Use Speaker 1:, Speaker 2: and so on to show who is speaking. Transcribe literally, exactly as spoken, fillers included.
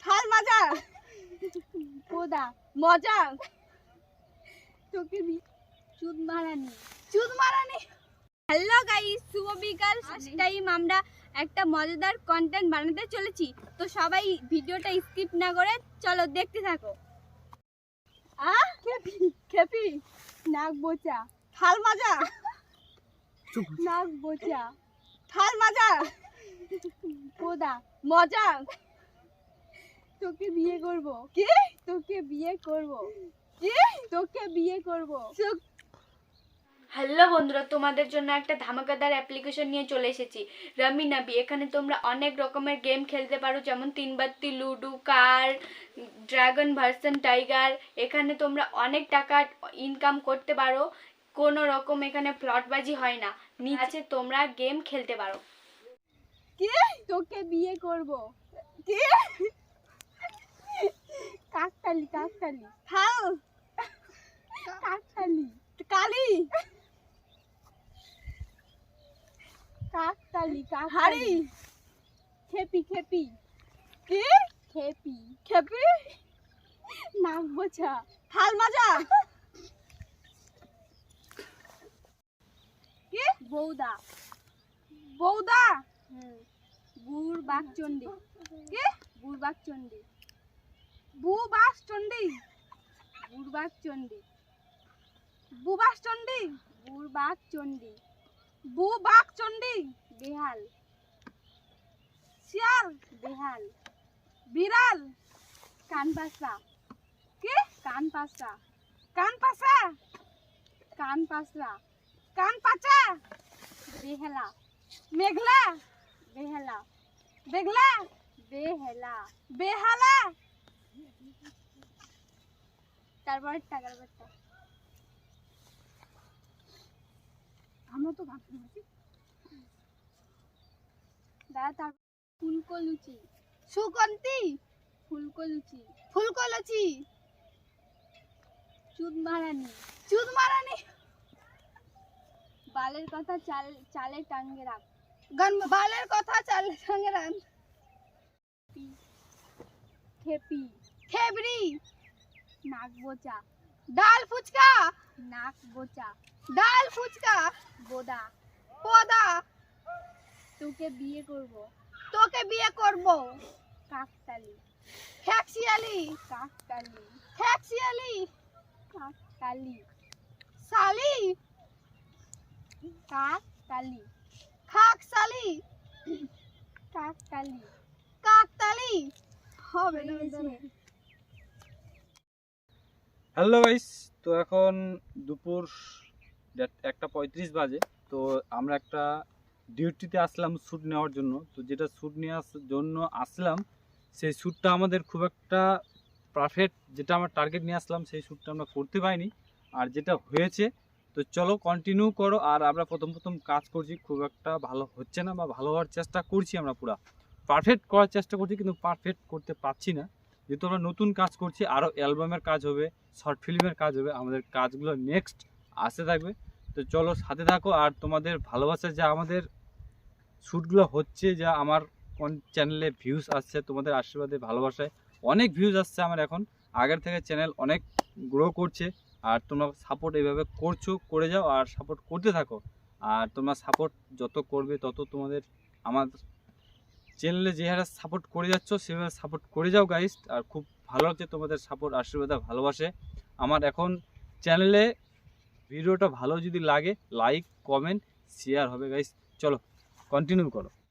Speaker 1: থাল মাজা
Speaker 2: কোদা
Speaker 1: মজা
Speaker 2: তোকে চুদ মারানি
Speaker 1: চুদ মারানি।
Speaker 2: হ্যালো গাইস, শুভ বিকাল। টাইম আমরা একটা মজাদার কন্টেন্ট বানাতে চলেছি, তো সবাই ভিডিওটা স্কিপ না করে চলো দেখতে থাকো।
Speaker 1: আ খেপি খেপি
Speaker 2: নাক বোচা
Speaker 1: থাল মাজা
Speaker 2: নাক বোচা
Speaker 1: থাল মাজা
Speaker 2: কোদা
Speaker 1: মজা।
Speaker 2: তোকে বিয়ে করব।
Speaker 1: কি
Speaker 2: তোকে বিয়ে করব।
Speaker 1: কি
Speaker 2: তোকে বিয়ে করব।
Speaker 1: চুপ।
Speaker 3: হ্যালো বন্ধুরা, তোমাদের জন্য একটা ধামাকাদার অ্যাপ্লিকেশন নিয়ে চলে এসেছি, রামি নাবি। এখানে তোমরা অনেক রকমের গেম খেলতে পারো, যেমন তিন বাত্তি, ludo, car, dragon version tiger. এখানে তোমরা অনেক টাকা ইনকাম করতে পারো, কোনো রকম এখানে ফ্লটবাজি হয় না। নিচে তোমরা গেম খেলতে পারো।
Speaker 1: কি
Speaker 2: তোকে বিয়ে করব।
Speaker 1: কি
Speaker 2: কাকতালি কাকতালি
Speaker 1: থাল
Speaker 2: কাকতালি
Speaker 1: কালি
Speaker 2: কাকতালি
Speaker 1: হাড়ি
Speaker 2: কাকতালি খেপি খেপি
Speaker 1: কি
Speaker 2: খেপি
Speaker 1: খেপি
Speaker 2: নাক বোচা
Speaker 1: থাল মাজা কি
Speaker 2: বৌদা
Speaker 1: বৌদা
Speaker 2: বুড় বাঘ চন্ডী
Speaker 1: কি
Speaker 2: বুড় বাঘ চন্ডী
Speaker 1: বুবাস চন্ডী
Speaker 2: বুড় বাঘ চন্ডী
Speaker 1: বুবাস চন্ডী
Speaker 2: বুড় বাঘ চন্ডী
Speaker 1: বুবাক চন্ডী
Speaker 2: বেহাল
Speaker 1: শিয়াল
Speaker 2: বেহাল
Speaker 1: বিড়াল
Speaker 2: কান পাসা
Speaker 1: কি
Speaker 2: কান পাসা
Speaker 1: কান পাসা
Speaker 2: কান পাসরা
Speaker 1: কান পাচা
Speaker 2: বেহেলা
Speaker 1: মেঘলা
Speaker 2: বেহেলা
Speaker 1: বেগলা
Speaker 2: বেহেলা
Speaker 1: বেহালা
Speaker 2: তারপর টাকার বাচ্চা
Speaker 1: আমরা তো গান শুনছি।
Speaker 2: দাদা তার ফুলকো লুচি
Speaker 1: সুগন্ধি
Speaker 2: ফুলকো লুচি
Speaker 1: ফুলকলচি
Speaker 2: চুদ মারানি
Speaker 1: চুদ মারানি
Speaker 2: বালের কথা চাল চালে টাঙ্গে রাখ
Speaker 1: গান বালের কথা চাল সঙ্গে রান
Speaker 2: খেপি
Speaker 1: খেবড়ি
Speaker 2: নাক বোচা
Speaker 1: ডাল ফুচকা
Speaker 2: নাক বোচা
Speaker 1: ডাল ফুচকা
Speaker 2: বোদা
Speaker 1: পদা
Speaker 2: তোকে বিয়ে করব।
Speaker 1: তোকে বিয়ে করব।
Speaker 2: কাকতালি
Speaker 1: ফ্যাক্সিয়ালি
Speaker 2: কাকতালি
Speaker 1: ফ্যাক্সিয়ালি
Speaker 2: কাকতালি
Speaker 1: সালি
Speaker 2: কাকতালি
Speaker 1: খাকসালি
Speaker 2: কাকতালি
Speaker 1: কাকতালি হবে না
Speaker 4: হ্যালো গাইস, তো এখন দুপুর দেড়- একটা পঁয়ত্রিশ বাজে। তো আমরা একটা ডিউটিতে আসলাম শ্যুট নেওয়ার জন্য। তো যেটা শ্যুট নেওয়ার জন্য আসলাম, সেই শ্যুটটা আমাদের খুব একটা পারফেক্ট, যেটা আমরা টার্গেট নিয়ে আসলাম সেই শ্যুটটা আমরা করতে পারিনি। আর যেটা হয়েছে, তো চলো কন্টিনিউ করো। আর আমরা প্রথম প্রথম কাজ করছি, খুব একটা ভালো হচ্ছে না, বা ভালো হওয়ার চেষ্টা করছি, আমরা পুরো পারফেক্ট করার চেষ্টা করছি, কিন্তু পারফেক্ট করতে পারছি না। যেহেতু আমরা নতুন কাজ করছি, আরও অ্যালবামের কাজ হবে, শর্ট ফিল্মের কাজ হবে, আমাদের কাজগুলো নেক্সট আসতে থাকবে। তো চলো সাথে থাকো। আর তোমাদের ভালোবাসা, যা আমাদের শ্যুটগুলো হচ্ছে, যা আমার কোন চ্যানেলে ভিউজ আসছে, তোমাদের আশীর্বাদে ভালোবাসায় অনেক ভিউজ আসছে আমার এখন। আগের থেকে চ্যানেল অনেক গ্রো করছে। আর তোমরা সাপোর্ট এইভাবে করছো, করে যাও আর সাপোর্ট করতে থাকো। আর তোমরা সাপোর্ট যত করবে তত তোমাদের আমার চ্যানেলে যে হারে সাপোর্ট করে যাচ্ছ সেভাবে সাপোর্ট করে যাও গাইস। আর খুব ভালো লাগছে তোমাদের সাপোর্ট, আশীর্বাদ, ভালোবাসে আমার। এখন চ্যানেলে ভিডিওটা ভালো যদি লাগে, লাইক, কমেন্ট, শেয়ার হবে গাইস। চলো কন্টিনিউ করো।